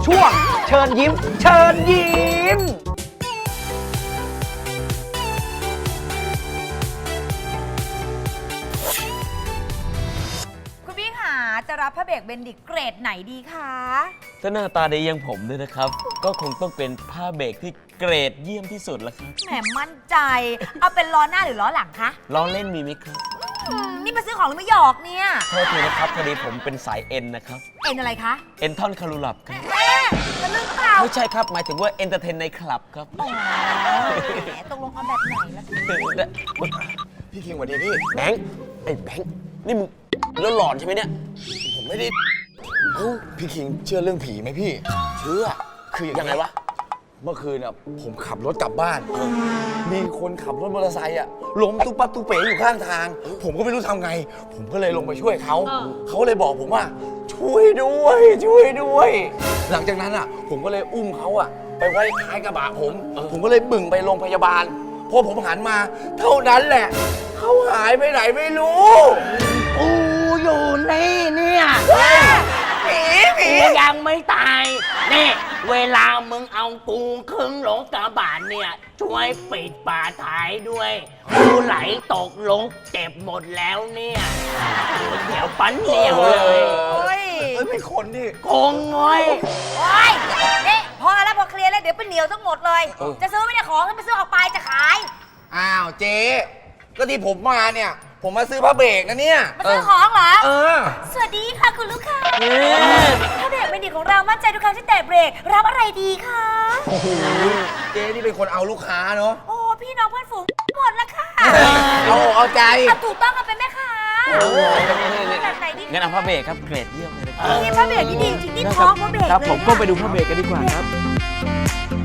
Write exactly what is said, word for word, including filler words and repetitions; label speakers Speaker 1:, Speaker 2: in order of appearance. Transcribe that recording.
Speaker 1: ช่วงเชิญยิ้มเชิญยิ้ม
Speaker 2: คุณพี่ขาจะรับพระเบรกเบนดิกเกรดไหนดีคะ
Speaker 3: ถ้าหน้าตาดีอย่างผมด้วยนะครับ ก็คงต้องเป็นผ้าเบรกที่เกรดเยี่ยมที่สุดละครับ
Speaker 2: แหมมั่นใจเอาเป็นล้อหน้าหรือล้อหลังคะ
Speaker 3: ล้อเล่นมีไหมครับ
Speaker 2: อืมนี่มาซื้อของหรือมาหยอกเนี่ย
Speaker 3: โทษทีนะครับพอดีผมเป็นสายเอ็นนะครับ
Speaker 2: เอ็นอะไรคะ
Speaker 3: เอ็นท่อนคารูลับครับ
Speaker 2: แม่จะลืมเปล่า
Speaker 3: ไม่ใช่ครับหมายถึงว่าเอนเตอร์เทนในคลับครับ
Speaker 2: แหมตกลงเอาแบบไหนล่ะ
Speaker 4: พี่คิงสวัสดีพี่
Speaker 3: แบงค์ไอ้แบงค์นี่มึงแล้วหลอนใช่ไหมเนี่ย
Speaker 4: ผมไม่ได้เอ้าพี่คิงเชื่อเรื่องผีไหมพี่
Speaker 3: เชื่อ
Speaker 4: คืออย่าง
Speaker 3: ยังไงวะ
Speaker 4: เมื่อคืนอ่ะผมขับรถกลับบ้าน มีคนขับรถมอเตอร์ไซค์อ่ะล้มตุ๊บปั๊บตุ๊บเป๋อยู่ข้างทาง ผมก็ไม่รู้ทำไง ผมก็เลยลงไปช่วยเขาเขาเลยบอกผมว่า ช่วยด้วย ช่วยด้วย หลังจากนั้นอ่ะ ผมก็เลยอุ้มเขาอ่ะ ไปไว้ท้ายกระบะผม ผมก็เลยบึ่งไปโรงพยาบาลพอผมหันมา เท่านั้นแหละเขาหายไปไหนไม่รู้
Speaker 5: กูอยู่นี่เนี่ย
Speaker 4: ผีผี
Speaker 5: กูยังไม่ตาย นี่ เวลามึงเอากูขึ้นรถกระบะเนี่ย ช่วยปิดป่าท้ายด้วย กูไหลตกลงเจ็บหมดแล้วเนี่ยเดี๋ยวปั้นเดียวเลย
Speaker 2: โอ้ย
Speaker 4: เอ้ยไม่คนดิ
Speaker 5: คงง้อย
Speaker 2: โอ้ยนี่พอแล้วพอเคลียร์แล้วเดี๋ยวเป็นเหนียวทั้งหมดเลย จะซื้อไม่ได้ของให้ไปซื้อออกไปจะขาย
Speaker 4: อ้าวเจ๊ก็ที่ผมมาเนี่ย ผมมาซื้อผ้าเบรกนะเนี่ย
Speaker 2: มาซื้อของเหรอ
Speaker 4: เออ
Speaker 2: สวัสดีค่ะคุณลูกค้าถ้าเบรกเป็นดิของเรามั่นใจทุกครั้งที่แตะเบรกรับอะไรดีคะ
Speaker 4: โอ้โหเจ๊นี่เป็นคนเอาลูกค้าเนาะ
Speaker 2: โอ้พี่น้องเพื่อนฝูงหมดแล้วค่ะ
Speaker 4: เอาเอาใจ
Speaker 2: เอาถูกต้องเอาเป็นแม่ค้าแบบไหนดี
Speaker 3: งั้นเอาผ้าเบรกครับเกรดเยี่ยมเลยนะครับ
Speaker 2: นี่พระเบรกที่ดีจริงๆนี่ท้องพระเบรก
Speaker 3: ครับ
Speaker 2: เลย
Speaker 3: ผม
Speaker 2: อะ
Speaker 3: ก็ไปดูผ้าเบรกกันดีกว่าครับ